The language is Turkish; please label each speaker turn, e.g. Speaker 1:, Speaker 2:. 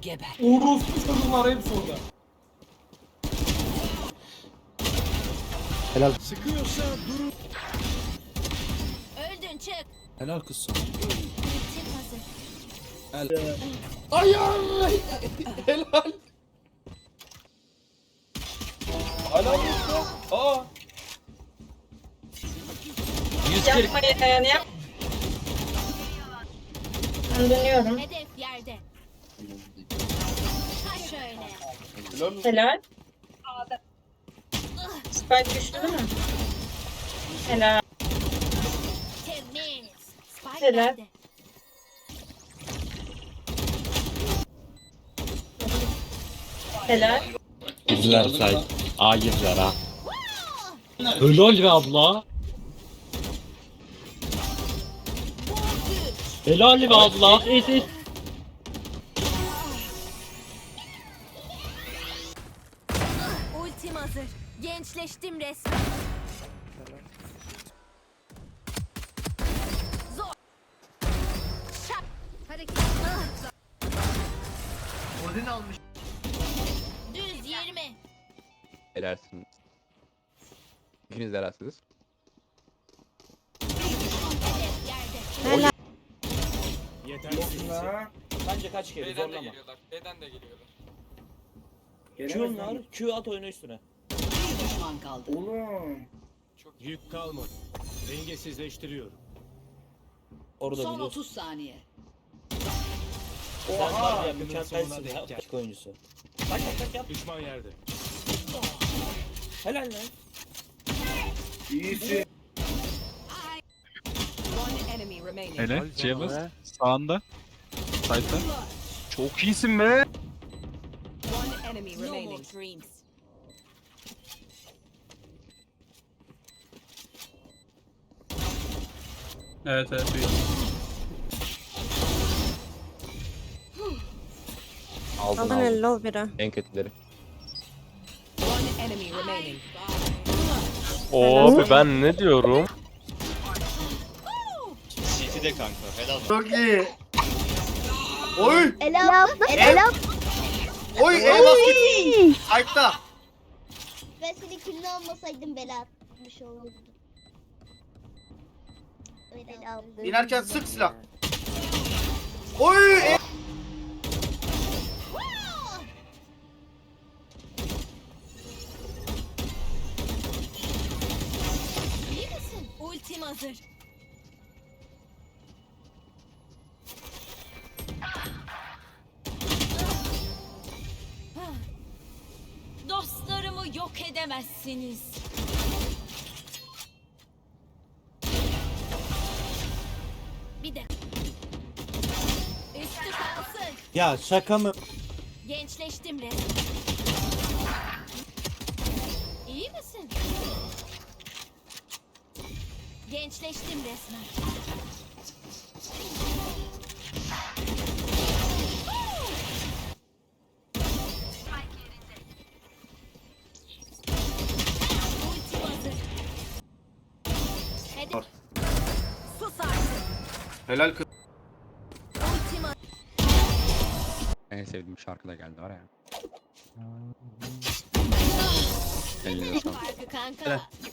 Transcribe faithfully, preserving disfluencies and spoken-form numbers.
Speaker 1: Geber.
Speaker 2: Orospu çocuklar hepsi orada.
Speaker 3: Helal.
Speaker 4: Sıkıyorsa durun.
Speaker 1: Öldün çık.
Speaker 3: Helal kız sana.
Speaker 1: Ultim hazır.
Speaker 2: Ay ay. Helal. Helal olsun. Aa.
Speaker 3: yüz kırk.
Speaker 5: Yapma yani yap. Ben dönüyorum.
Speaker 1: Hedef yerde. Ha şöyle.
Speaker 2: Helal olsun.
Speaker 5: Helal. Spike düştü değil mi? Helal.
Speaker 1: Temiz. Spike
Speaker 5: Helal.
Speaker 1: yerde.
Speaker 5: Helal.
Speaker 3: Girdiler say. A girdiler ha. Helal be abla. Helal be abla. Es es.
Speaker 1: Ultim hazır. Gençleştim resmen. Zor. Şap. Hareket. Ah.
Speaker 6: Odin almış.
Speaker 1: Düz yirmi.
Speaker 7: Helalsiniz. İkiniz de helalsiniz.
Speaker 1: Hedef yerde.
Speaker 4: Yetersiz.
Speaker 8: Bence kaç kere
Speaker 2: B'den de
Speaker 8: zorlama.
Speaker 2: geliyorlar. B'den de geliyorlar.
Speaker 8: Q onlar, Q at oyunu üstüne.
Speaker 1: Bir düşman kaldı.
Speaker 4: Yük kalmadı. Dengesizleştiriyorum.
Speaker 8: Orada
Speaker 1: Son
Speaker 8: biliyorsun.
Speaker 1: otuz saniye.
Speaker 8: Sen var ya
Speaker 4: Yakının
Speaker 8: mükemmelsin
Speaker 4: sonuna
Speaker 8: ya.
Speaker 4: denk gel.
Speaker 8: Açık oyuncusu. Bak bak bak yap.
Speaker 4: Düşman yerde.
Speaker 8: Helal lan.
Speaker 6: İyisin.
Speaker 1: One enemy remaining.
Speaker 9: Hele Ceyhaz sağında. Sayta. Çok iyisin be.
Speaker 1: One enemy remaining. No more dreams.
Speaker 9: Evet evet.
Speaker 7: Aldın
Speaker 5: Aldın
Speaker 7: aldın.
Speaker 5: elli ol biri.
Speaker 7: En kötüleri.
Speaker 1: One enemy remaining.
Speaker 10: Abi ben ne diyorum?
Speaker 11: C T'de kanka helal.
Speaker 6: Çok iyi. Oy.
Speaker 5: Ela abla. Ela
Speaker 6: Oy. El basket. Ayakta.
Speaker 5: Ben senin külünü almasaydım bela atmış olurdum. Ela abla.
Speaker 6: İnerken sık silah. Oy. E-
Speaker 1: İyi misin? Ultim hazır. Dostlarımı yok edemezsiniz. Bir de. Üstü kalsın.
Speaker 8: Ya şaka mı?
Speaker 1: Gençleştim resmen. İyi misin? Gençleştim resmen. Ultim hazır. Hedef. Sus artık.
Speaker 6: Helal kız.
Speaker 1: Ultim hazır.
Speaker 7: En sevdiğim şarkı da geldi var ya. Eline sağlık.
Speaker 1: Farkı kanka.